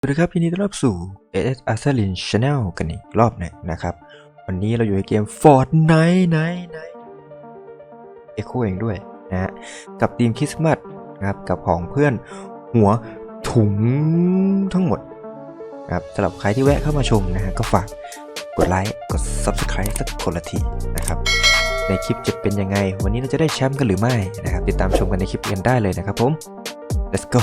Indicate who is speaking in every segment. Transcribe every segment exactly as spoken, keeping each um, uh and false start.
Speaker 1: ดีครับยินดีต้อนรับสู่ เอ เอส Asalin Channel กันอีกรอบหนึ่งนะครับวันนี้เราอยู่ในเกม Fortnite ไนท์ไนท์เอ็กโคเองด้วยนะฮะกับทีมคริสต์มาสนะครับกับของเพื่อนหัวถุงทั้งหมดนะครับสำหรับใครที่แวะเข้ามาชมนะฮะก็ฝากกดไลค์กด Subscribe สักคนละทีนะครับในคลิปจะเป็นยังไงวันนี้เราจะได้แชมป์กันหรือไม่นะครับติดตามชมกันในคลิปกันได้เลยนะครับผม let's go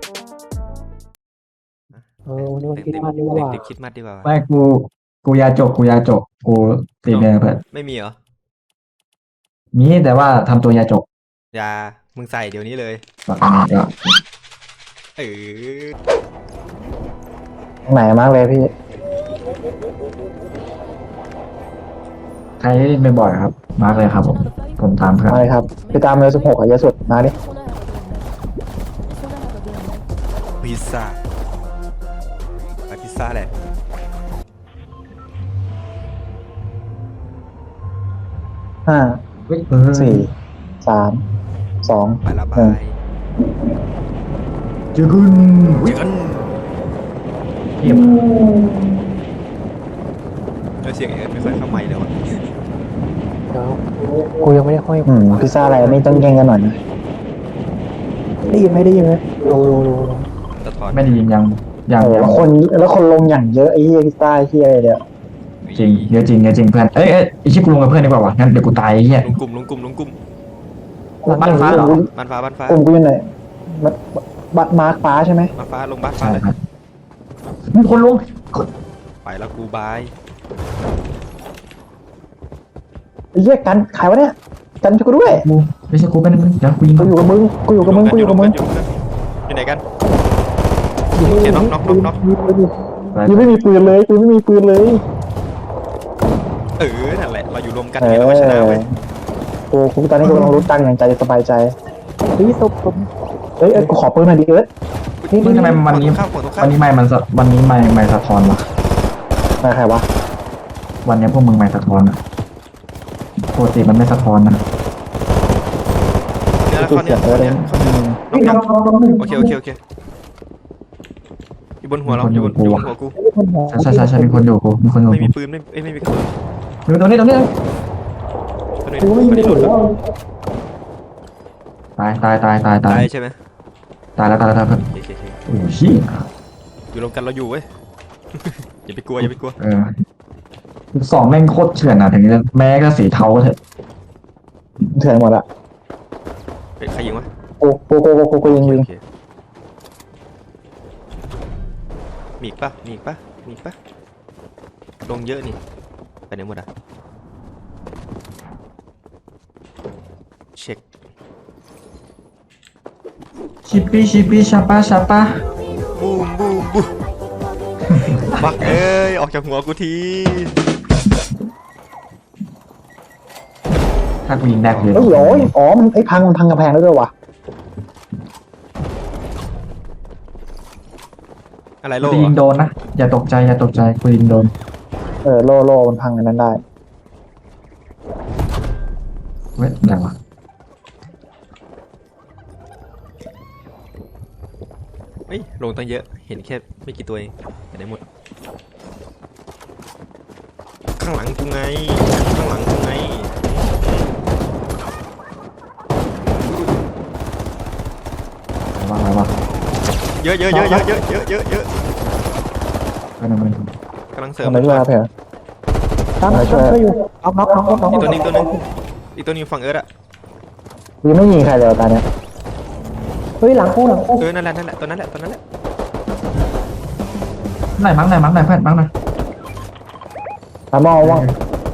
Speaker 2: เออวันนี้วันคริสต์มาสดีกว่า
Speaker 1: เด็กๆคิดมัดดีกว่า
Speaker 3: ไม่กูกูยาจกกูยาจกกูตีเนื้อเพื่อน
Speaker 1: ไม่มีเหรอ
Speaker 3: มีแต่ว่าทำตัวยาจก
Speaker 1: ยามึงใส่เดี๋ยวนี้เลย
Speaker 3: แบบนี้ก็
Speaker 1: เออ
Speaker 2: ไหนมากเลยพี่
Speaker 3: ใครเล่นบ่อยๆครับมาร์กเลยครับผมผมตามเพื่อน
Speaker 2: มาเลยครับไปตามเลยสิบหกอะเยอะสุดมาดิ
Speaker 1: พิซซ่าไปพิซซ่าแหละ
Speaker 2: ห้า
Speaker 3: เฮ้ยเออ
Speaker 2: สี่สามสอง
Speaker 1: ไประบา
Speaker 2: หนึ่ง
Speaker 1: ย
Speaker 3: เจอคุณ
Speaker 1: เจอกัน
Speaker 3: เทียบ
Speaker 1: แล้วเสียงเอ็ดไม่ค่อยเข้าไมค์เลยวะ
Speaker 2: เดี๋ยวกูยังไม่ได้ค่อยอืมพิซซ่าอะไรนี่ต้องแย่งกันหน่อยนะได้ยินไหมได้ยินไหมโลโลโลโล
Speaker 1: สะท้อน
Speaker 3: ไม่ได้ยินยังยัง
Speaker 2: เออแล้วคนแล้วคนลงอย่างเยอะไอ้เหี้ยพิซซ่าไอ้เหี้ยอะไรเนี่ย
Speaker 3: จริงเยอะจริงเยอะจริงเพื่อนเอ้ยเอ้ยไอ้ชิกูลงกับเพื่อนดีกว่าวะงั้นเดี๋ยวกูตายไอ้เหี้ย
Speaker 1: ลงกลุ่มลงกลุ่มลงกลุ่ม
Speaker 3: บ้านฟ้าเหรอ
Speaker 1: บ้านฟ้าบ้านฟ้าก
Speaker 2: ลุ่มกูอยู่ไหนบัตบัตมาร์คฟ้าใช่ไหม
Speaker 1: บ้านฟ้าลงบ้านฟ้า
Speaker 3: ใช่
Speaker 1: เลย
Speaker 3: ครับมีคนลง
Speaker 1: ไปแล้วกูบาย
Speaker 2: ไอ้เหี้ยกันขายวะเนี่ยกันช่วยกูด้วย
Speaker 3: กูไม่ใช่กูเป็นมึงเดี๋ยวกูยิง
Speaker 2: กูอยู่กับมึงกูอยู่กับมึงกูอยู่กับมึง
Speaker 1: อยู่ไหนกันโอเคน็อกน็อกน็อกน็อก
Speaker 2: กูไม่มีปืนเลยกูไม่มีปืนเลย
Speaker 1: เออนั่นแหละเราอยู่รวมกันไงเราก็ชนะเว้ย
Speaker 2: กูกูตอนนี้กูกำลังรู้ตังค์อย่างใจสบายใจเฮ้ยตบตบเฮ้ยเอ้ยกูขอปืนหน่อยดิเอิร์ธนี่
Speaker 3: มึงทำไมวันนี้
Speaker 1: ข้าวของตรงข้า
Speaker 3: วันนี้ไม่มันสะวันนี้ไม่ไม่สะท้อนวะ
Speaker 2: มาใครวะ
Speaker 3: วันนี้พวกมึงไม่สะท้อนอะปกติมันไม่สะท้อนนะ
Speaker 1: เนื้อ
Speaker 2: กู
Speaker 1: ข้าว
Speaker 2: เสี
Speaker 1: เนื้
Speaker 2: ย
Speaker 1: อง
Speaker 2: เอิร์ธ
Speaker 1: ข้าว
Speaker 2: เอ
Speaker 1: เนื้
Speaker 2: ง
Speaker 1: อน็อกน็อกโอเคโอเคโอเคอยู่บนหัวเราอยู่บนอยู่บนหัวกู
Speaker 3: ใช่ใช่ใช่มีคนอยู่กูมีคนอยู่
Speaker 1: ไม่
Speaker 3: กู
Speaker 1: มีปืนไม่เอ้ยไม่มีกระสุน
Speaker 3: ดูตรงนี้ตรงนี้
Speaker 1: คนนี้
Speaker 2: กูไม่
Speaker 1: คน
Speaker 2: มี
Speaker 1: นี้ห
Speaker 2: ปื
Speaker 1: ลุ
Speaker 2: น
Speaker 1: ด
Speaker 2: แล้ว
Speaker 3: ตายตายตายตายตา
Speaker 1: ตาย ยใช่ไหม
Speaker 3: ตายแล้วตายแล้วตายแล้ว
Speaker 1: โอเคโอเค
Speaker 3: โอ้ชี้
Speaker 1: อยู่รวมกันเราอยู่เว้ย อย่าไปกลัวอย่าไปกลัว
Speaker 3: เออสองแม่งโคตรเถื่อนอ่ะถึงจะแม้ก็สีเทาเถอะ
Speaker 2: เถื่อนหมดละ
Speaker 1: เฮ้ยใครยิงวะ
Speaker 2: กูกูกูกูกูกูยิงยิง
Speaker 1: โอเคมีอีกปะมีอีกปะมีอีกปะลงเยอะนี่ไปไหนหมดอ่ะเช็ค
Speaker 3: ชิปปี้ชิปปี้ชาปาชาปา
Speaker 1: บูมบูมบูมบักเอ้ยออกจากหัวกูที
Speaker 3: ถ้ากูยิงได้คือ
Speaker 2: เฮ้ยโอ้ยอ๋อมันไอ้พังมันพังกระแพงแล้วด้วยวะ
Speaker 1: อะไรโล
Speaker 3: กูยิงโดนนะอย่าตกใจอย่าตกใจกูยิงโดน
Speaker 2: เออโลโลมันพังอันนั้นได้
Speaker 3: เว้ยอย่างวะ
Speaker 1: เฮ้ยลงตั้งเยอะเห็นแค่ไม่กี่ตัวเองไปไหนหมดข้างหลังกูไงข้างหลังกูไง
Speaker 3: ว่าไงวะ
Speaker 1: เยอะเยอะเยอะเยอะเยอะเยอะเยอะเยอะ
Speaker 3: ไปหนึ่งไปหนึ่ง
Speaker 1: กำลังเสริม
Speaker 2: ทำไมช่วยครับเพื่อนตามมาช่วยอยู่น็อกน็อกน็อกน็อก
Speaker 1: อีกตัวนึงตัวนึงอีกตัวนึงฝั่งเอิร์ธอะ
Speaker 2: ยังไม่ยิงใครเลยตอนเนี้ยเฮ้ยหลังกูหลังกู
Speaker 1: เออนั่นแหละนั่นแหละตัวนั้นแหละตัวนั้นแหละ
Speaker 3: ไหนมั้งไหนมั้งไหนเพื่อนมั้งไหน
Speaker 2: ตามมองว่าง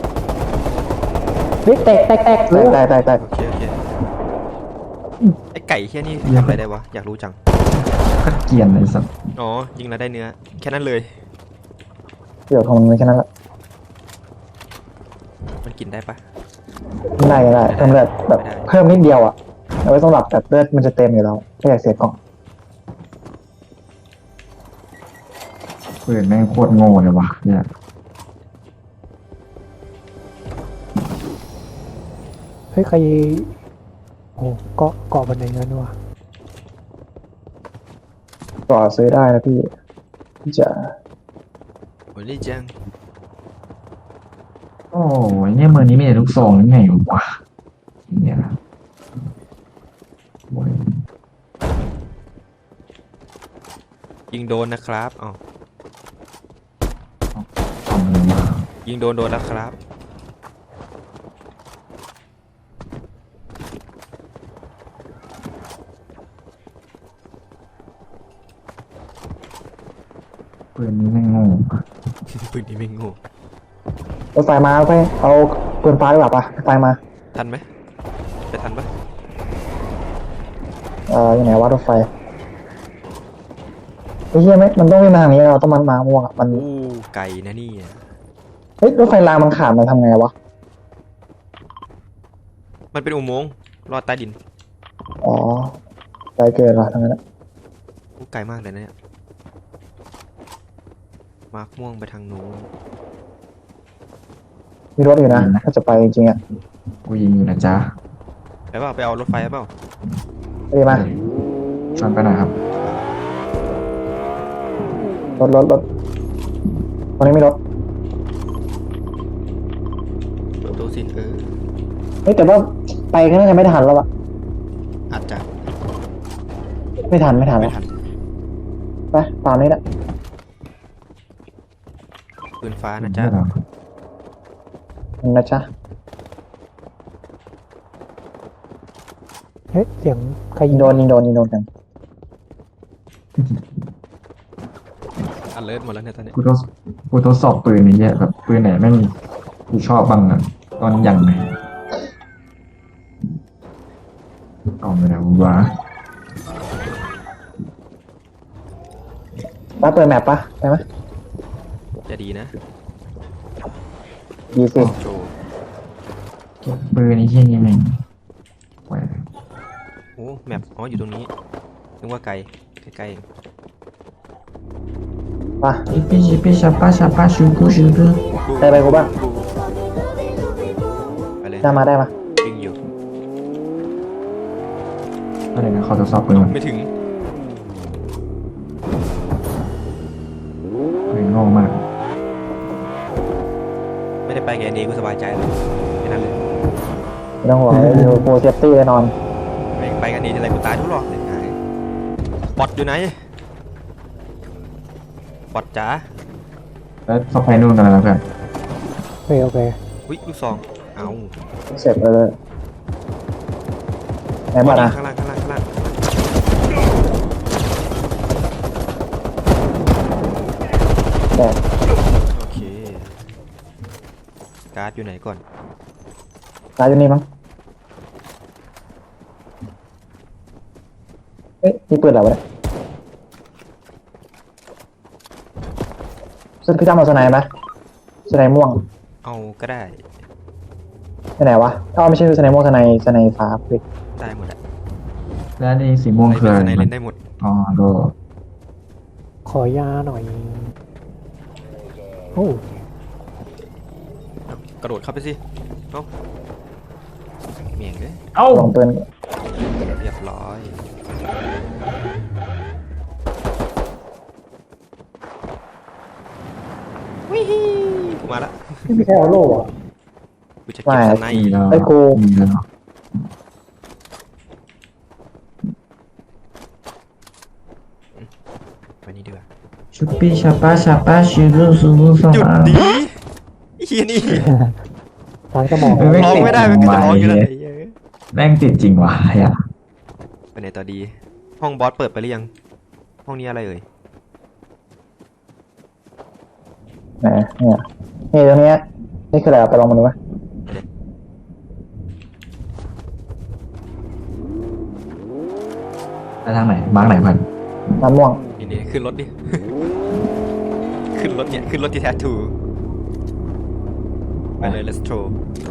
Speaker 2: เฮ้ยแตกแตกแตกแตกแตกแตกแตก
Speaker 1: โอเคโอเคไอไก่แค่นี้ทำอะไรได้วะอยากรู้จัง
Speaker 3: ก็เกลียนเลยสัส
Speaker 1: อ๋อยิงแล้วได้เนื้อแค่นั้นเลย
Speaker 2: เดี๋ยวของมันแค่นั้นละ
Speaker 1: มันกินได้ปะ
Speaker 2: ไม่ได้ไม่ได้เพิ่มเลือดแบบเพิ่มนิดเดียวอ่ะเอาไว้สำหรับแบบเลือดมันจะเต็มอยู่แล้วไม่อยากเสียกล่อง
Speaker 3: ปืนแม่งโคตรโง่เลยวะเนี่ย
Speaker 4: เฮ้ยใครโอ้เกาะเกาะบันไดงั้นวะ
Speaker 2: ต่อซื้อได้นะพี่จะ
Speaker 1: โอ้ยนี่จัง
Speaker 3: โอ้ยเนี่ยเมืองนี้มีแต่ลูกซองนี่ไงวะเนี่ยโอ้ย
Speaker 1: ยิงโดนนะครับอ๋อ
Speaker 3: เอาเงินมา
Speaker 1: ยิงโดนโดนแล้วครับ
Speaker 3: ปืนนี้ไม่งง
Speaker 1: ปืนนี้ไม่โงู
Speaker 2: รถไฟมาไปเอาปืนฟ้าดีกว่าปะรถไฟมา
Speaker 1: ทันไหมไปทันปะ
Speaker 2: เอ่ออยู่ไหนวะรถไฟไอ้เหี้ยไหมมันต้องวิ่งมาทางนี้เราต้องมันมาม่วงอะมัน
Speaker 1: อู้ไก่นะนี่
Speaker 2: เฮ้ยรถไฟรางมันขาดมันทำไงวะ
Speaker 1: มันเป็นอุโมงค์ลอดใต้ดิน
Speaker 2: อ๋อไกลเกินละทางนั้นอะ
Speaker 1: อู้ไกลมากเลยนะเนี่ยมาร์คม่วงไปทางนู้น
Speaker 2: มีรถอยู่นะถ้าจะไปจริงๆอ่ะ
Speaker 3: กูยิงอยู่นะจ๊ะ
Speaker 1: ไปเปล่าไปเอารถไฟเปล่า
Speaker 2: ไปดีมา
Speaker 3: ชวนไปหน่อยครับ
Speaker 2: รถรถรถตรงนี้ไม่รถ
Speaker 1: เปิดประตูสิเออ
Speaker 2: เฮ้ยแต่ว่าไปก็น่าจะไม่ทันแล้วอะ
Speaker 1: อาจจะ
Speaker 2: ไม่ทันไม่ทัน
Speaker 1: ไม่
Speaker 2: แล้ว
Speaker 1: ทัน
Speaker 2: ไปตามนี้แหละ
Speaker 1: ปืนฟ้านะจ๊ะ
Speaker 3: ไม่หรอก
Speaker 2: นะจ๊ะ
Speaker 4: เฮ้ยเสียงใคร
Speaker 2: ยิ
Speaker 4: ยิ
Speaker 2: ง
Speaker 4: ง
Speaker 2: โดนยิงโดนยิงโดนกัน
Speaker 1: อันเลิศหมดแล้วเนี่ยตอนนี้
Speaker 3: กูทดกูทดสอบปืนนี้เยอะแบบปืนไหนแม่งกูชอบบ้างอะตอนอย่างไหนกล่องไปแล้ววะ
Speaker 2: ป้าเปิดแมปปะได้ไหม
Speaker 1: จะดีนะ
Speaker 2: ดีสิ
Speaker 1: โชว์
Speaker 3: เก็บปืนนี้เช่นนี้แม่งแหว
Speaker 1: โอ้แมปอ๋ออยู่ตรงนี้นึกว่าไกลใกล้ๆเอง
Speaker 2: ไป
Speaker 3: ชิปปี้ชิปปี้ชาป้าชาป้าชูกูชูกู
Speaker 2: ไปไปกูบ้าง
Speaker 1: ไปเลย
Speaker 2: ได้มาได้มา
Speaker 1: วิ่งอยู่
Speaker 3: อะไรนะเขาทดสอบปืนมัน
Speaker 1: ไม่ถึง
Speaker 3: ปืนโง่มาก
Speaker 1: ไม่ได้ไปแกนี้กูสบายใจแล้วแค่นั้นเลย
Speaker 2: ไม่ต้องห่วงเลยโฟเซฟตี้แน่นอน
Speaker 1: ไปไปกันนี้อะไรกูตายทุกรอบเลยไงบอทอยู่ไหนบอทจ๋า
Speaker 3: แล้วเขาไปนู่นกันแล้วเพื่อน
Speaker 4: โอเคโอเค
Speaker 1: วิลูกซองเอา
Speaker 2: เสร็จเลยไหนบ้างนะ
Speaker 1: ข้างล่างข้างล่างข้างล่าง
Speaker 2: แต่
Speaker 1: โอเคการ์ดอยู่ไหนก่อน
Speaker 2: ตายอยู่นี่มั้งเฮ้ยมีปืนเหรอวะเนี่ยซึ่งพี่จำเอาสไนด์ไหมสไนด์ม่วง
Speaker 1: เอาก็ได้
Speaker 2: สไนด์ไหนวะอ้าวไม่ใช่สไนด์ม่วงสไนด์สไนด์ฟ้าพี่
Speaker 1: ได้หมดอะ
Speaker 3: แล้วนี่สีม่วง
Speaker 1: อะไร
Speaker 3: คือ
Speaker 1: เป็น
Speaker 3: อะไร
Speaker 1: สไนเล่นได้หมด
Speaker 3: อ๋อโด
Speaker 4: ขอยาหน่อยโอ้
Speaker 1: กระโดดเข้าไปสิเอ้าเมียงเลย
Speaker 3: เอ้า
Speaker 2: ลองปืน
Speaker 1: เรียบร้อยวิฮีกูมาละ
Speaker 2: พี่ไม่ใช่เอาโล่เหรอ
Speaker 1: กูจะเก็บสไน
Speaker 3: มีแล้ว
Speaker 2: ไอ้กู
Speaker 3: มีแล้ว
Speaker 1: ไปนี่ดีกว่า
Speaker 3: ชิปปี้ชาป้าชาป้าชูกูชูกูส
Speaker 1: หยุดดีไอ้เฮียนี่
Speaker 4: ทางสมอง
Speaker 3: เออ
Speaker 1: ร้องไม่ได้มันก็จะร้องอยู่แล้ว
Speaker 3: ไม่
Speaker 1: ไอ้เหี้ย
Speaker 3: แม่งติดจริงวะไอ้อะ
Speaker 1: ไปไหนต่อดี ห้องบอสเปิดไปหรือยัง ห้องนี้อะไรเอ่ย
Speaker 2: ไหนเนี่ยนี่ตรงเนี้ยนี่คืออะไรเอาไปลองมาดูไหม
Speaker 3: ไปทางไหนมาร์กไหนเพื่อน
Speaker 2: น้ำม่วง
Speaker 1: นี่นี่ขึ้นรถดิ ขึ้นรถเนี่ย ขึ้นรถที่แททู ไปเลย let's go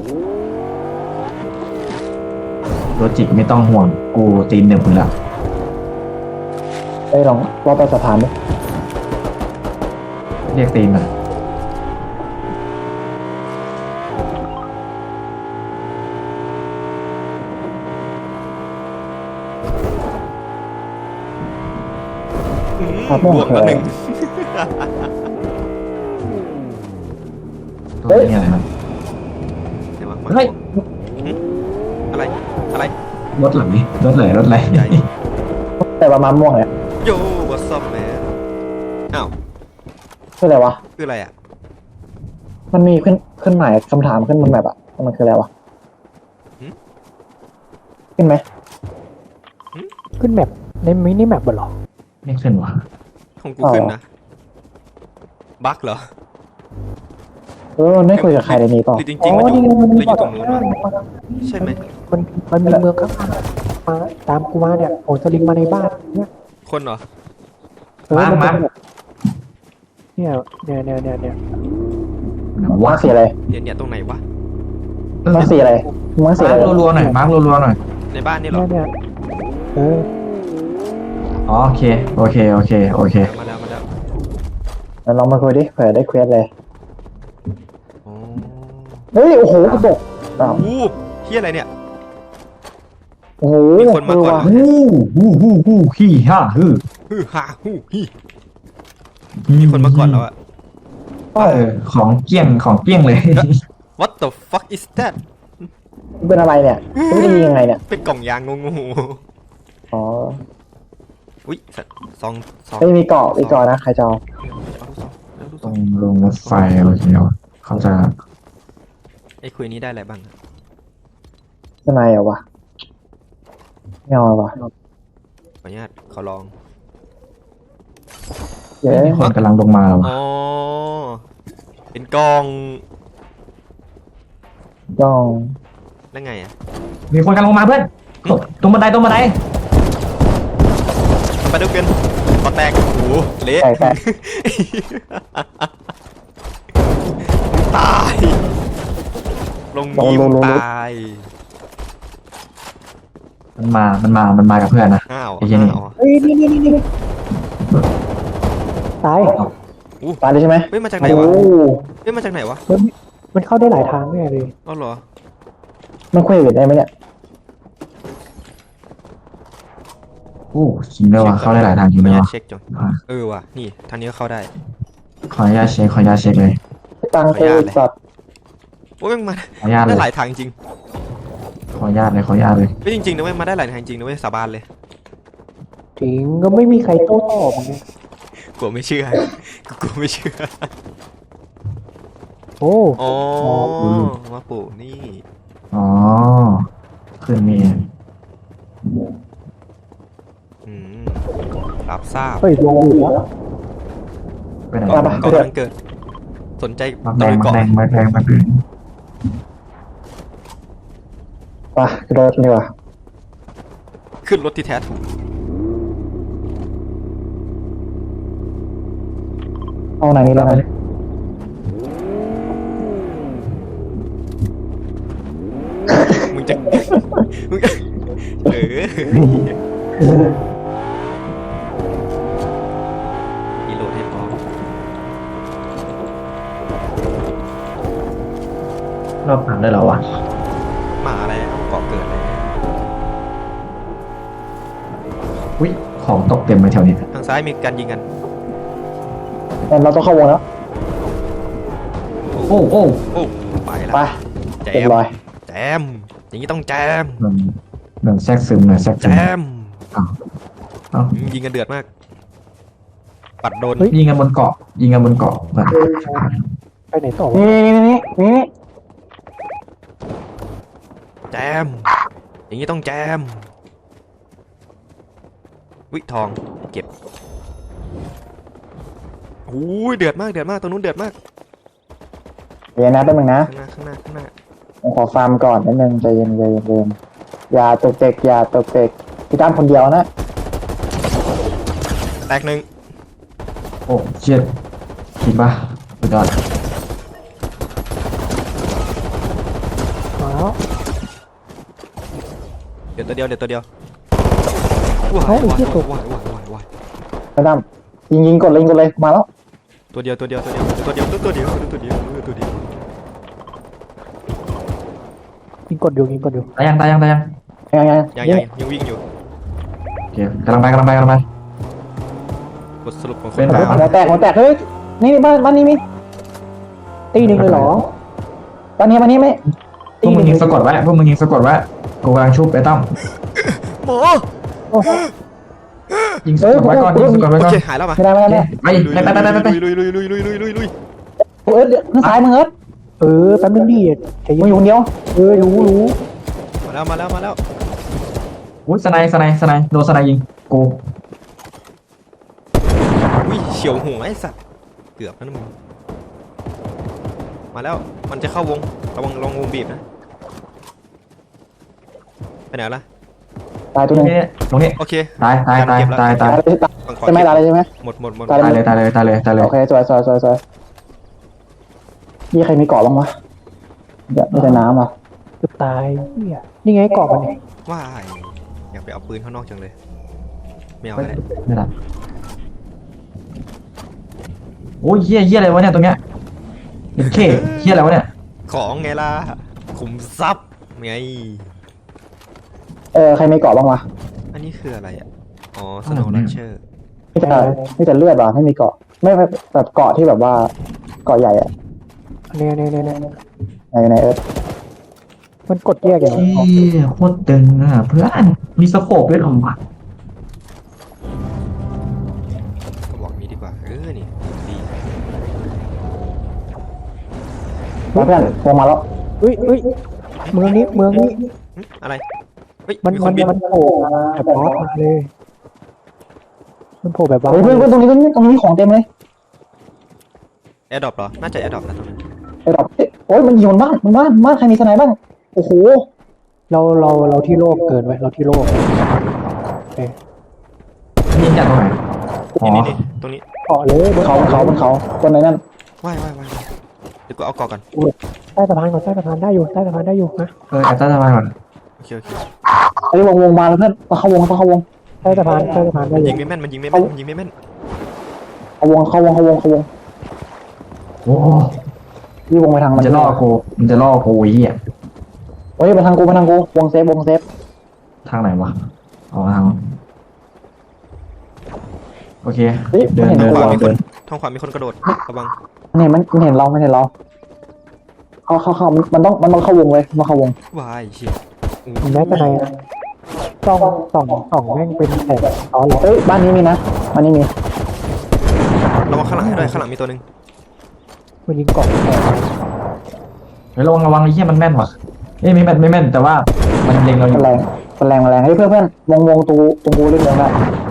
Speaker 3: โลจิกไม่ต้องห่วงกูตีนหนึ่งคุณละ
Speaker 2: ได้ลองรอบไปสะพานดิ
Speaker 3: เรียกตีนมา
Speaker 2: น้ำม่วง
Speaker 1: บวก
Speaker 2: คือ
Speaker 1: แล้
Speaker 2: อะ
Speaker 1: ว
Speaker 2: ไร
Speaker 1: หนึ่ง
Speaker 3: ตัวนี้อะไรครับ
Speaker 1: เดี๋ยววะ
Speaker 3: เฮ้ย
Speaker 1: หึอะไรอะไร
Speaker 3: รถไหลรถไหลรถไหล
Speaker 1: ใหญ่
Speaker 2: แต่ประมาณม่วงเนี่ย
Speaker 1: โย่ what's up man อ้าว
Speaker 2: คืออะไรวะ
Speaker 1: คืออะไรอ่ะ
Speaker 2: มันมีขึ้นขึ้นหมายคำถามขึ้นบนแบบอ่ะมันคืออะไรวะขึ้นไหม
Speaker 4: ขึ้นแมปในมินิแมปเหรอ
Speaker 3: ไม่ขึ้นวะ
Speaker 1: ของกูขึ้นนะบั๊กเหรอ
Speaker 2: เออมันไม่คุยกับใครเลยนี่เปล่า
Speaker 1: หรือจริงๆมันอยู่มันอยู่ตรงนู้นวะใช่ไหม
Speaker 4: มันมันมีเมืองข้างๆมาตามกูมาเนี่ยโอ้สลิงมาในบ้านเนี่ย
Speaker 1: คนเหรอ
Speaker 4: เออ
Speaker 3: มา
Speaker 4: มัน
Speaker 3: มา
Speaker 4: เป็นแบบเนี่ยเนี่ยเนี่ยเนี่ยเนี่ย
Speaker 2: มา
Speaker 3: ว้า
Speaker 2: ร์คสีอะไร
Speaker 1: เดี๋ยวเนี่ยตรงไหนวะ
Speaker 2: มาร์คสีอะไรมาร์คสี
Speaker 3: มา
Speaker 2: อะไร
Speaker 3: ร์กรัวๆหน่อยมาร์กรัวๆหน่อย
Speaker 1: ในบ้านนี่เหรอ
Speaker 4: เนี่ยเนี่ยเออ
Speaker 3: อ๋อโอเคโอเคโอเคโอเค
Speaker 1: มาแล้วมาแล้ว
Speaker 2: เราลองมาคุยดิเผื่อได้เควสเลย
Speaker 1: โอ้
Speaker 2: เฮ้ยโอ้โหกระจกอ้าว
Speaker 1: โหเฮียอะไรเนี่ย
Speaker 2: โอ้โห
Speaker 1: มีคนมาก่อน
Speaker 2: เว่ะ
Speaker 3: ฮู้ฮู้ฮู้ฮู้ฮี่ฮ่าฮือ
Speaker 1: ฮือฮาฮู้ฮีมีคนมาก่อนแล้วอะ
Speaker 3: เออของเกี้ยงของเกี้ยงเลย
Speaker 1: What the fuck is that
Speaker 2: เป็นอะไรเนี่ยไม่ได้ยิงยังไงเนี่ย
Speaker 1: เป็นกล่องยางงง
Speaker 2: อ๋อ
Speaker 1: ๆอุ้ยสัตว์ซองซอง
Speaker 2: ไม่มีเกาะมีเกาะนะใครจะเอา
Speaker 1: เอาลูกซองเอาลูก
Speaker 3: ต
Speaker 1: ซ
Speaker 3: ร
Speaker 1: อง
Speaker 3: งลงรถไฟโอเคเขาจะ
Speaker 1: ไอ้คุยนี้ได้อะไรบ้างอะ
Speaker 2: ข้างในเหรอวะไม่เอาวะ
Speaker 1: ขออนุญาตขอลอง
Speaker 2: เย้
Speaker 3: มีคนกำลังลงมาแล้ววะ
Speaker 1: อ๋อ เป็นกล่อง
Speaker 2: ย่อง
Speaker 1: แล้วไงอะ
Speaker 3: มีคนกำลังลงมาเพื่อนตรงบันไดตรงบันได
Speaker 1: ไปดูกันขอแตกโอ้โหเละ
Speaker 2: แตกแตก
Speaker 1: ตาย ลงนี้มึงตาย
Speaker 3: มันมามันมามันมากับเพื่อนนะ
Speaker 1: อ้าว
Speaker 3: ไอ้เหี้ยนี่
Speaker 1: อ้าว
Speaker 4: เฮ้ยนี่นี่นี่นี่ตาย
Speaker 2: ตายเลยใช่ไหม
Speaker 1: เฮ้ยมาจากไหน
Speaker 2: โอ้
Speaker 1: วะ
Speaker 2: โห
Speaker 1: เฮ้ยมาจากไหนวะ
Speaker 4: มันมันเข้าได้หลายทางแน่เลย
Speaker 1: อ๋อเหรอ
Speaker 2: มันคุยกันได้ไหมเนี่ย
Speaker 3: โอ้จริงด้วยวะเข้าได้หลายทางจริง
Speaker 1: ขอ
Speaker 3: ด้
Speaker 1: อ
Speaker 3: วย
Speaker 1: นุญาต
Speaker 3: วะ
Speaker 1: เช็คจน
Speaker 3: อ่ะ
Speaker 1: เออว่ะ นี่ทางนี้ก็เข้าได้
Speaker 3: ขออนุญาตเช็คขออนุญาตเช็คเลย
Speaker 2: ตังค์เตสัตว์
Speaker 1: โอ้ยมันมา
Speaker 3: ขออนุญาตเล
Speaker 1: ได้
Speaker 3: ย
Speaker 1: หลายทางจริง
Speaker 3: ขออนุญาตเลยขออนุญาตเลย
Speaker 1: ไม่จริงๆนะเว้ยมาได้หลายทางจริงนะเว้ยสาบานเลย
Speaker 4: จริงก็ไม่มีใครโต้ตอบไง
Speaker 1: กลัวไม่เชื่อ กูกลัวไม่เชื่อ
Speaker 4: โอ้
Speaker 1: อ๋อมาปู่นี่
Speaker 3: อ๋อขึ้นนี่
Speaker 1: อืมรับทราบ
Speaker 4: เฮ้ยลงอยู่แล้ว
Speaker 3: ไปไหน
Speaker 1: ก่อน
Speaker 3: มา
Speaker 1: ก่อนกำลังเกิด สนใจ
Speaker 3: มา
Speaker 1: ตะ
Speaker 3: แด
Speaker 1: ลุ
Speaker 3: ง
Speaker 1: ย
Speaker 3: มา
Speaker 1: เกาะ
Speaker 3: แดงมาแดงมาแดง
Speaker 2: ไปกระโดดดีกว่า
Speaker 1: ขึ้นรถที่แท้ถูก
Speaker 2: เอาไหนนี้แล้วกัน
Speaker 1: มึงจะ มึงจะเออรีโหลดให้พร้อม
Speaker 3: รอบผ่านได้แล้ววะ
Speaker 1: มาแล้วเกาะเกิดแล้ว
Speaker 3: อุ้ยของตกเต็มไปแถวนี้
Speaker 1: ทางซ้ายมีการยิงกัน
Speaker 2: งั้นเราต้องเข้าวงแล้ว
Speaker 3: โอ้โอ้
Speaker 1: โอ้ไปแล้ว
Speaker 2: ไป
Speaker 1: แจ
Speaker 2: เรีย
Speaker 1: ม
Speaker 2: บร้อย
Speaker 1: แจมอย่างนี้ต้องแจม
Speaker 3: เหมือนเหมือนแทรกซึมเลยแทรก
Speaker 1: แจ
Speaker 3: ซึม
Speaker 1: ม
Speaker 3: อ้าวเอ้า
Speaker 1: ยิงกันเดือดมาก ปัดโดน
Speaker 3: ยิงกันบนเกาะยิงกันบนเกาะแบบ
Speaker 4: ไปไหนต่อวะ
Speaker 2: นี่นี่นี่นี่
Speaker 1: แจม อย่างนี้ต้องแจม วิทองเก็บโอ้ยเดือดมากเดือดมากตรงนู้นเดือดมาก
Speaker 2: เดี๋ยวนะแป๊บนึงนะ
Speaker 1: ข้างหน้าข้างหน้าข้างหน้า
Speaker 2: ผมขอฟาร์มก่อนนิดนึงใจเย็นใจเย็นใจเย็นอย่าตกเตกอย่าตกเตกพี่ตั้มคนเดียวนะ
Speaker 1: แตกหนึ่ง
Speaker 3: โอ้เชียดคิดป่ะสุดยอด
Speaker 4: มาแล้ว
Speaker 1: เดี๋ยวตัวเดียวเดี๋ยวตัวเดียวว้าย
Speaker 4: เฮ้ยไอ้
Speaker 1: ว้าย
Speaker 4: ที่ตก
Speaker 1: ว้ายว้ายว้ายว้าย
Speaker 2: พี่ตั้มยิงยิงกดเลยยิงกดเลยมาแล้ว
Speaker 1: ตัวเดียวตัวเดียวตัวเดียวตัวเดียวตัวเดียวตัวเดียวตัวเดียว
Speaker 4: ยิงกดอยู่ยิงกดอยู่
Speaker 3: ตายยังตายยังตายยัง
Speaker 2: ยังยัง
Speaker 1: ยังยังยังวิ่งอยู่
Speaker 3: โอเคกำลังไปกำลังไปกำลังไป
Speaker 1: บทสรุปของค
Speaker 3: เป็น น
Speaker 1: บ้า
Speaker 2: หัวแตกหัวแตกเฮ้ยนี่บ้านบ้านนี้มี
Speaker 4: ตีหนึ่งเลยเหรอ
Speaker 2: บ้านนี้บ้านนี้ไม่
Speaker 3: พวกมึงยิงสะกดไว้พวกมึงยิงสะกดไว้กูกำลังชุบไอ้ตั้ม
Speaker 1: หมอ
Speaker 3: ยิงสะกดไว้ก่อนยิงสะกดไว้
Speaker 1: โอ
Speaker 3: ก่อน
Speaker 1: เคหายแล้วป่ะ
Speaker 2: ไม่ได้ไม่ได้ไม่
Speaker 3: ไปไปไปไปไป
Speaker 1: ลุยลุยลุยลุยลุยลุยลุย
Speaker 2: เอิร์ธข้างซ้ายมึงเอิร์ธ
Speaker 4: เออแป๊บนึงดิใจ
Speaker 2: มึ
Speaker 4: เย็
Speaker 2: ง
Speaker 4: น
Speaker 2: อยู่คนเดียว
Speaker 4: เออรู้รู้
Speaker 1: มาแล้วมาแล้วมาแล้ว
Speaker 3: อุ้ยสไนสไนสไนโดนสไนยิงกู
Speaker 1: อุ้ยเฉียวหัวไอ้สัตว์เกือบแล้วนะมึงมาแล้วมันจะเข้าวงระวังระวังวงบีบนะไปไหนละ
Speaker 2: ตายตัวหนึง
Speaker 3: นี่ตรงนี้
Speaker 1: โอเค
Speaker 3: ตายตายตายตายตาย
Speaker 2: ตายเลยตาย
Speaker 1: ฝั่งขวา
Speaker 2: ใช่ไหมตายเลยใช่ไหม
Speaker 1: หมดหมดหมด
Speaker 2: ตาย
Speaker 3: ตายเลยตายเลยตายเลยตายเลย
Speaker 2: โอเคสวยสวยสวยสวยนี่ใครมีเกาะบ้างวะเดี๋ยวมีแต่น้ำอ่ะ
Speaker 4: เกือบตายเนี่ยนี่ไงเกาะมันเนี่ย
Speaker 1: ว้ายอยากไปเอาปืนข้างนอกจังเลยไม่เอา
Speaker 3: ไม่
Speaker 1: อะไร
Speaker 3: ไม่ได้โอ้ยเฮี้ยเฮี้ยอะไรวะเนี่ยตรงเนี้ยเห็นเข้เฮี้ยอะไรวะเนี่ย
Speaker 1: ของไงล่ะขุมทรัพย์ไง
Speaker 2: เออใครมีเกาะบ้างวะ
Speaker 1: อันนี้คืออะไรอ่ะอ๋อสโนว์ลันเชอร์
Speaker 2: ไม่แต่ไม่แต่เลือดว่ะไม่มีเกาะไม่ไม่แบบเกาะที่แบบว่าเกาะใหญ่อะ
Speaker 4: เนี่ยเนี่ยเนี่ยเนี่ย
Speaker 2: ไหนไหนเอิร์ธ
Speaker 4: มันกดแยกอย่าง
Speaker 3: เฮี้ยโคตรตึงอ่ะเพื่อนมีสโคปด้วยเหรอวะ
Speaker 1: ก็บอกนี้ดีกว่าเออนี่ดี
Speaker 2: มาเพื่อนวงมาแล้ว
Speaker 4: เฮ้ยเฮ้ยเมืองนี้เมืองนี้
Speaker 1: หึอะไรเฮ้ย
Speaker 4: มัน
Speaker 1: มีค
Speaker 4: มัน
Speaker 1: นบิน
Speaker 4: มันโผล่แบบบอสมาเลยมันโผล่แบบบอส
Speaker 2: เฮ้ยเพื่อนเพื่อนตรงนี้ตรงนี้ตรงนี้ของเต็มเลย
Speaker 1: แอร์ดรอปเหรอน่าจะแอร์ดรอปนะตรงนั้น
Speaker 2: ไอ้ดอกเอ๊ะโอ้ยมันยิงบนบ้านบนบ้านบ้านใครมีสไนบ้างโอ้โห
Speaker 4: เราเราเราที่โลกเกินไว้เราที่โลก
Speaker 3: ยิงจากตรงไหนอ๋อ
Speaker 1: นี่นี่นี่ตรงนี้
Speaker 4: เกาะเลย
Speaker 2: บนเขาบนเขาบนเขาบนไหนนั่น
Speaker 1: ว่ายว่ายว่ายว่ายเดี๋ยวกูเอาเกาะก่อน
Speaker 4: ใต้สะพานก่อนใต้สะพานได้อยู่ใต้สะพานได้อยู่นะ
Speaker 3: เออแอบใต้สะพานก่อน
Speaker 1: โอเคโอเค
Speaker 2: ไอ้ยวงวงมาแล้วเพื่อนมาเข้าวงเข้าเข้าวง
Speaker 4: ใต้สะพานใต้สะพานได้
Speaker 1: มัน
Speaker 4: อ
Speaker 1: ยิ
Speaker 4: ยู่
Speaker 1: งไม่แม่นมันยิงไม่แม่นมันยิงไม่แม่น
Speaker 2: เข้าวงเข้าวงเข้าวงเข้าวง
Speaker 3: โอ้
Speaker 2: นี่วงไปทาง
Speaker 3: มั
Speaker 2: มัน น
Speaker 3: จะล่อกูมันจะล่อกูไอ้เหี้ย
Speaker 2: เฮ้ยมาทางกูมาทางกูวงเซฟวงเซฟ
Speaker 3: ทางไหนวะอ๋อทางโอเค
Speaker 2: เฮ้ย
Speaker 3: เดิ
Speaker 2: มัน
Speaker 3: น
Speaker 2: เห็น
Speaker 3: เดิน
Speaker 2: กู
Speaker 1: ขวา
Speaker 2: อ่ะ
Speaker 1: มีคนทางขวามีคนกระโดดระวัง
Speaker 2: มันเห็นมันมันเห็นเรามันเห็นเราเข้าเข้าเข้ามันต้องมันต้องเข้าวงเลยมาเข้าวง
Speaker 1: วายเชี่ยอู้
Speaker 4: แม้แต่ในส่องส่องส่องแม่งเป็นแถบอ๋อเหรอ
Speaker 2: เฮ้ยบ้านนี้มีนะบ้านนี้มี
Speaker 1: ระวังข้างหลังให้ด้วยข้างหลังมีตัวหนึ่ง
Speaker 4: มันยิงเกาะแถบ
Speaker 3: เฮ้ยระวังระวังไอ้เหี้ยมันแม่นว่ะเอ้ยไม่แม่นไม่แม่นแต่ว่ามันเล็งเราอ
Speaker 2: มัน
Speaker 3: ยู่
Speaker 2: แรงมันแรงมันแรงเฮ้ยเพื่อนเพื่อนวงวงตูตรงกูเล่นวงได้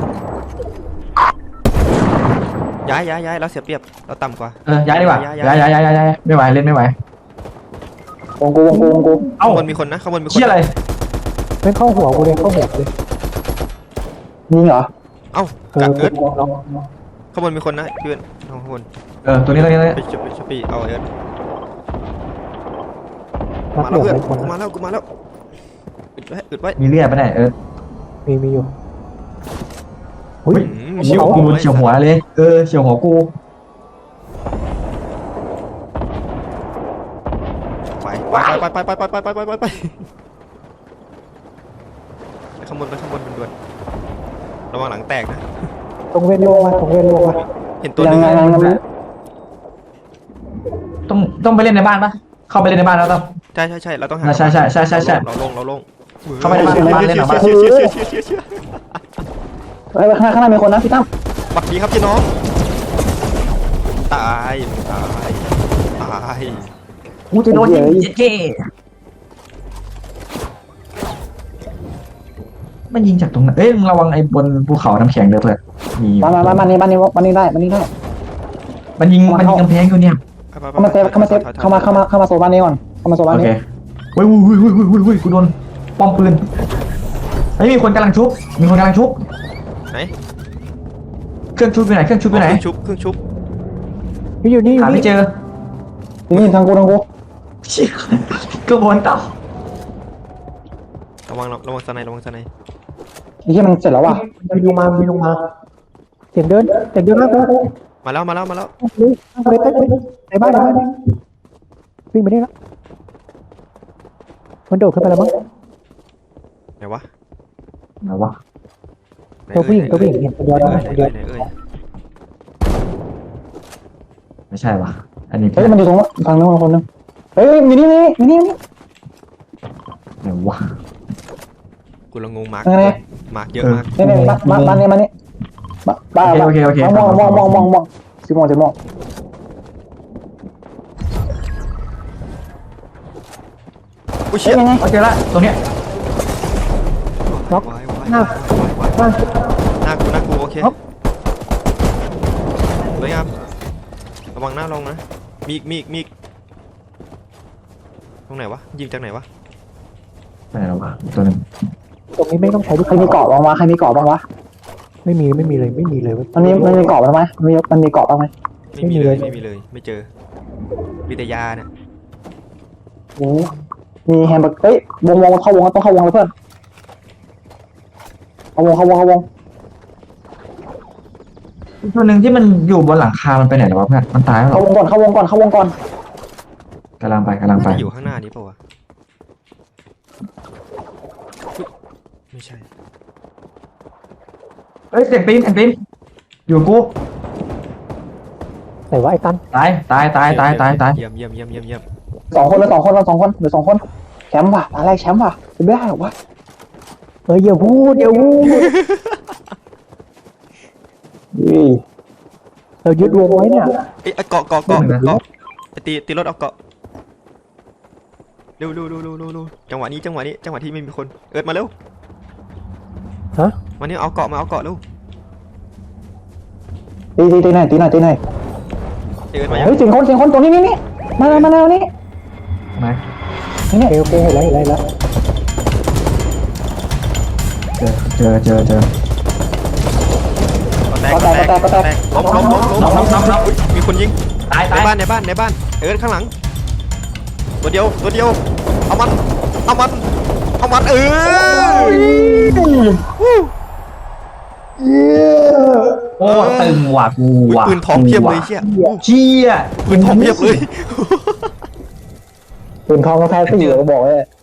Speaker 1: ย้ายย้ายย้ายเราเสียเปรียบเราต่ำกว่า
Speaker 3: เออย้ายดีกว่าย้ายย้ายย้ายย้ายย้ายไม่ไหวเล่นไม่ไหว
Speaker 2: วงกูวงกูวงกู
Speaker 3: เอ้า
Speaker 1: ข้างบนมีคนนะข้างบนมีคน
Speaker 3: เชี่ยอะไร
Speaker 4: แม่งเข้าหัวกูเลยเข้าหัวกูเลย
Speaker 2: ยิงเหรอ
Speaker 1: เอ้า
Speaker 4: เออก
Speaker 1: ะเอิร์ด
Speaker 4: ลอง
Speaker 1: ข้างบนมีคนนะเพื่อนข้างบน
Speaker 3: เออตัวนี้ตัวนี้ตัวนี้
Speaker 1: ไปชุบไปชุบไปเอาเอิร์ด
Speaker 4: นัก
Speaker 1: มา
Speaker 4: เดื
Speaker 1: แล้ว
Speaker 4: อด
Speaker 1: เพื่อน
Speaker 4: ไว้คน
Speaker 1: กูมาแล้วกูมาแล้วอึดไว้อึดไว้
Speaker 3: มีเลือดปะเนี่ยเออ
Speaker 4: มีมีอยู่
Speaker 3: อุ้ย
Speaker 1: อืม
Speaker 3: เฉียวกูเฉียวหัวเลยเออเฉียวหัวกู
Speaker 1: ไปไปไปไปไปไปไปไปไปไปไปข้างบนไปข้างบนด่วนๆระวังหลังแตกนะ
Speaker 4: ตรงเวนโลมาตรงเวนโลมา
Speaker 1: เห็นตัว
Speaker 2: ยั
Speaker 1: นึ
Speaker 2: ง
Speaker 1: ง
Speaker 2: ไงยังไง
Speaker 3: ต้องต้องไปเล่นในบ้านปะเข้าไปเล่นในบ้านแล้วต้อง
Speaker 1: ใช่ใช่ใช่เราต้องหา
Speaker 3: ใช่ใช่ใช่ใช่ใช่
Speaker 1: เราลงเราลง
Speaker 3: เข้าไปในบ้านบ้านเล่นหน่อยบ้าน
Speaker 1: เชี่ยเชี่ยเชี่ยเชี่ยเชี่ยเชี่ย
Speaker 2: เฮ้ยข้างหน้าข้างหน้ามีคนนะพี่ตั้ม
Speaker 1: บักดีครับพี่น้องตายตายตาย
Speaker 3: กูจะโดนยิงเจ๊เจ๊มันยิงจากตรงนั้นเอ้ยมึงระวังไอ้บนภูเขาน้ำแข็งเด้อเพื่อนมีอยู่
Speaker 2: มามามาบ้านนี้บ้านนี้บ้านนี้ได้บ้านนี้ได้
Speaker 3: มันยิงมันยิงกำแพงอยู่เนี่ย
Speaker 2: เข้ามาเซฟเข้ามาเซฟเข้ามาเข้ามาเข้ามาโซนบ้านนี้ก่อนเข้ามาโซนบ้าน
Speaker 3: โอเค
Speaker 2: นี้
Speaker 3: เฮ้ยเฮ้ยเฮ้ยเฮ้ยเฮ้ยเฮ้ยกูโดนป้อมปืนเฮ้ยมีคนกำลังชุบมีคนกำลังชุบ
Speaker 1: ไหน
Speaker 3: เครื่องชุบอยู่ไหนเครื่องชุบอยู่ไหน
Speaker 1: เครื่องชุบเครื่องชุบ
Speaker 4: นี่อยู่นี่อยู่
Speaker 3: หาไม่
Speaker 4: นี่
Speaker 3: เจอ
Speaker 2: นี่ทางกูทางกู
Speaker 3: เชี่ยกระบวนต่อ
Speaker 1: ระวังระวังสไนระวังสไน
Speaker 2: ไอ้ที่มันเสร็จแล้วว่ะ
Speaker 4: มีลงมามีลงมาเสียงเดินเสียงเดินมากเลย
Speaker 1: มาแล้วมาแล้วมาแล้ว
Speaker 4: เลยเลยเลยในบ้านในบ้านวิ่งไปได้แล้วมันโดดขึ้นไปแล้วมั้ง
Speaker 1: ไหนวะ
Speaker 3: ไหนวะ
Speaker 1: ไหน
Speaker 4: ตัวผู้หญิง
Speaker 1: เอ่ย
Speaker 4: ตัวผู้หญิงเห็นตัวเดียว
Speaker 1: ไหน
Speaker 4: นะ
Speaker 1: เอ่ย
Speaker 4: ตัว
Speaker 1: ไหน
Speaker 4: เดียว
Speaker 1: เอ่ยไหนเอ่ย
Speaker 3: ไม่ใช่วะอันนี้
Speaker 2: เฮ้ยมันอยู่ตรงฝั่งนู้นคนนึงเฮ้ยมีนี่มีนี่มีนี่
Speaker 3: ไหนวะ
Speaker 1: กูละงงมาร์ก
Speaker 2: ไง
Speaker 1: มาร์กเยอะมาก
Speaker 2: นี่นี่บ้านบ้านบ้านนี่มานี่บ้าน
Speaker 3: โอเคโอเคโอเค
Speaker 2: มองมองมองมองมองสิมองสิมอง
Speaker 1: อุ้ยเชี่ย
Speaker 2: ยังไง
Speaker 3: โอเคละตรงเนี้ย
Speaker 1: วายวาย
Speaker 4: หน้า
Speaker 1: วายวาย
Speaker 4: หน้า
Speaker 1: หน้ากูหน้ากูโอเค
Speaker 4: ครับ
Speaker 1: สวยงามระวังหน้าลงนะมีอีกมีอีกมีอีกตรงไหนวะยิงจากไหนวะ
Speaker 3: ไหนแล้ววะตัวหนึ่ง
Speaker 4: ตรงนี้ไม่ต้องใช้ลูก
Speaker 2: ใครมีเกาะบ้างวะใครมีเกาะบ้างวะ
Speaker 4: ไม่มีไม่มีเลยไม่มีเลยเว้ย
Speaker 2: มันมีมันมีเกาะบ้างไหมมันมีมันมีเกาะบ้างไหม
Speaker 1: ไม่มีเลย
Speaker 4: ไม่
Speaker 1: ไม่
Speaker 4: มี
Speaker 1: มี
Speaker 4: เล
Speaker 1: เลย ยไม่เจอวิทยาเนี่ย
Speaker 2: โอ้มีแฮมเบอร์เฮ้ยวงวงเข้าวงต้องเข้าวงเลยเพื่อนเข้าวงเข้าวงเข้าวง
Speaker 3: ตัวหนึ่งที่มันอยู่บนหลังคา มันไปไหนแล้ววะเพื่อนมันตายแล้วเหร
Speaker 2: เข้า
Speaker 3: อ
Speaker 2: วงก่อนเข้าวงก่อนเข้าวงก่อน
Speaker 3: กำลังไปกำลังไป
Speaker 1: น่าจะอยู่ข้างหน้านี้เปล่าวะอุ๊ยไม่ใช่
Speaker 3: เฮ้ยเสียงปีนเสียงปีนอยู่กู
Speaker 4: ไหนวะไอ้ตัน
Speaker 3: ตายตายตายตายตายตาย
Speaker 1: เยี่ยมเยี่ยมเยี่ยมเยี่ยมเยี่ยม
Speaker 2: สองคนเลยสองคนเราสองคนเหลือสองคนแชมป์ว่ะอะไรกแชมป์ว่ะจะไม่ได้หรอวะ
Speaker 4: เฮ้ยอย่าพูดอย่าพูด
Speaker 2: นี่
Speaker 4: เรายึดวงไว้เนี่ย
Speaker 1: เอ้ยเกาะเกาะเกาะเกาะไปตีตีรถเอาเกาะเร็วเร็วเร็วเร็วเร็วเร็วจังหวะนี้จังหวะนี้จังหวะที่ไม่มีคนเอิร์ดมาเร็ว
Speaker 4: ฮะ
Speaker 1: มาเนี่ยเอาเกาะมาเอาเกาะเร็ว
Speaker 2: ตีตีตีหน่อยตีหน่อยตีหน่อย
Speaker 1: เอิร์ดมายัง
Speaker 2: เฮ้ยถึงคนถึงคนตรงนี้นี่นี่มาแล้วมาแล้วนี่
Speaker 3: ไหน
Speaker 2: นี่
Speaker 4: โอเคโอเคเห็นแล้วเห็นแล้วเห็นแล้ว
Speaker 3: เจอเจอเจอเจอ
Speaker 1: แตกแตกแตกล้มล้มล้มล้มล้มล้มล้มอุ๊ยมีคนยิง
Speaker 3: ตาย
Speaker 1: ใน
Speaker 3: ตาย
Speaker 1: บ้านในบ้านในบ้านเอิร์ดข้างหลังตัวเดียวตัวเดียวเอามันเอามันเอามันเออ
Speaker 3: โอ้ตึงว่ะกู
Speaker 1: อุ๊ย
Speaker 3: ว่ะ
Speaker 1: ปืนทองเพียบเลยเชี่ย
Speaker 3: เชี่ย
Speaker 1: ปืนทองเพียบเลย
Speaker 2: ปืนทองก็แพ้ก็อยู่ก็บอกเลย